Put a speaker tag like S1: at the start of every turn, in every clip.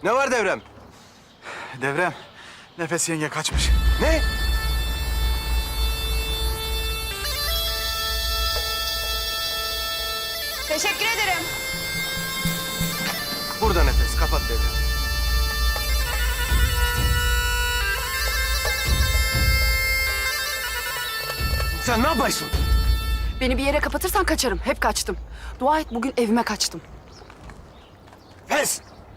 S1: Ne var Devrem?
S2: Devrem, Nefes yenge kaçmış.
S1: Ne?
S3: Teşekkür ederim.
S1: Burada Nefes, kapat Devrem. Sen ne yapıyorsun?
S4: Beni bir yere kapatırsan kaçarım. Hep kaçtım. Dua et bugün evime kaçtım.
S1: Pes!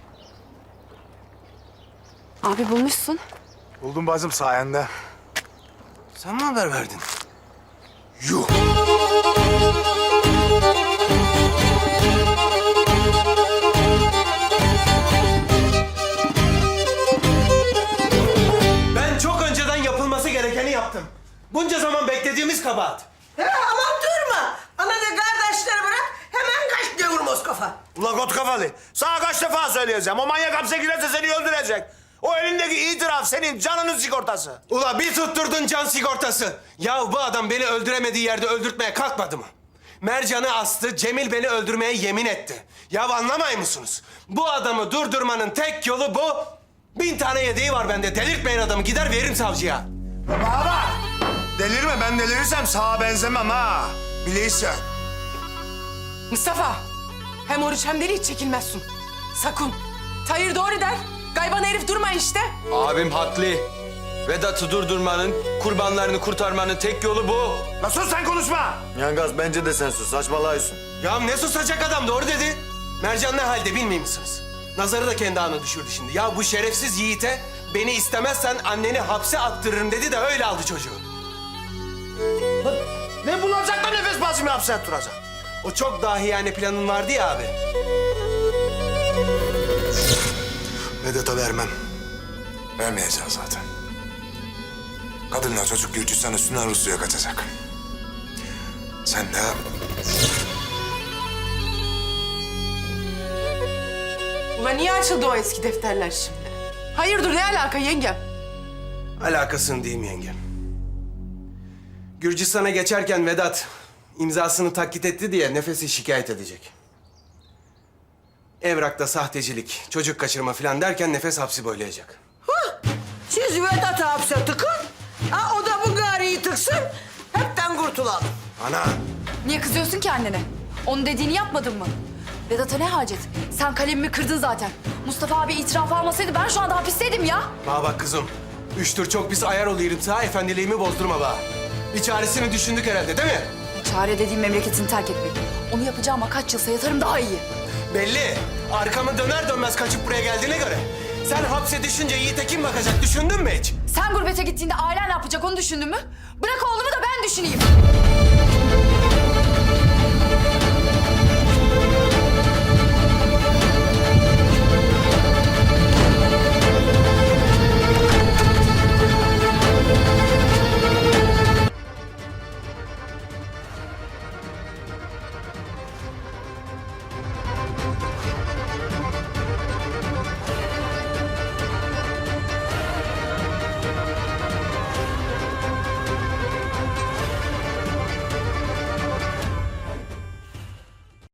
S4: Abi bulmuşsun.
S2: Buldum bacım sayende.
S1: Sen mi haber verdin? Yuh! Ben çok önceden yapılması gerekeni yaptım. Bunca zaman beklediğimiz kabahat.
S5: Aman durma. Ana da kardeşleri bırak. Hemen kaç gavur Moskova.
S6: Ula kot kafalı. Sana kaç defa söyleyeceğim. O manyak hapse girerse seni öldürecek. O elindeki itiraf senin canının sigortası.
S1: Ula bir tutturdun can sigortası. Ya bu adam beni öldüremediği yerde öldürtmeye kalkmadı mı? Mercan'ı astı, Cemil beni öldürmeye yemin etti. Ya anlamay mısınız? Bu adamı durdurmanın tek yolu bu. 1000 tane yedeği var bende. Delirtmeyin adamı. Gider veririm savcıya.
S6: Bana bak. Delirme, ben delirirsem sağa benzemem ha. Bileysen.
S5: Mustafa. Hem oruç hem deli hiç çekilmezsin. Sakın. Tahir doğru der. Gayban herif durma işte.
S7: Abim haklı. Vedat'ı durdurmanın, kurbanlarını kurtarmanın tek yolu bu.
S6: La sus sen konuşma.
S8: Yangaz bence de sen sus, saçmalıyorsun.
S1: Ya ne susacak adam doğru dedi. Mercan ne halde bilmiyor musunuz? Nazarı da kendi ağına düşürdü şimdi. Ya bu şerefsiz yiğite beni istemezsen anneni hapse attırırım dedi de öyle aldı çocuğu.
S6: Ne bulacak da nefes basımı hapse attıracak?
S1: O çok dahiyane planın vardı ya abi.
S6: Vedat'a vermem. Vermeyeceğim zaten. Kadınla çocuk Gürcistan üstünden Rusya'ya kaçacak. Sen de...
S5: Ulan niye açıldı o eski defterler şimdi? Hayırdır ne alaka yengem?
S1: Alakasını diyeyim yengem. Gürcistan'a geçerken Vedat imzasını taklit etti diye Nefes'i şikayet edecek. Evrakta sahtecilik, çocuk kaçırma falan derken Nefes hapsi boylayacak.
S5: Siz Vedat'ı hapse tıkın. Ha o da bu gariyi tıksın. Hepten kurtulalım.
S1: Ana!
S4: Niye kızıyorsun ki annene? Onun dediğini yapmadın mı? Vedat'a ne hacet? Sen kalemimi kırdın zaten. Mustafa abi itiraf almasaydı ben şu anda hapisteydim ya.
S1: Bana bak kızım. 3 tur çok pis ayar oluyorum sana, efendiliğimi bozdurma bana. Bir çaresini düşündük herhalde değil mi?
S4: Çare dediğim memleketini terk etmek. Onu yapacağıma kaç yılsa yatarım daha iyi.
S1: Belli. Arkamı döner dönmez kaçıp buraya geldiğine göre. Sen hapse düşünce Yiğit'e kim bakacak düşündün mü hiç?
S4: Sen gurbete gittiğinde ailen ne yapacak onu düşündün mü? Bırak oğlumu da ben düşüneyim.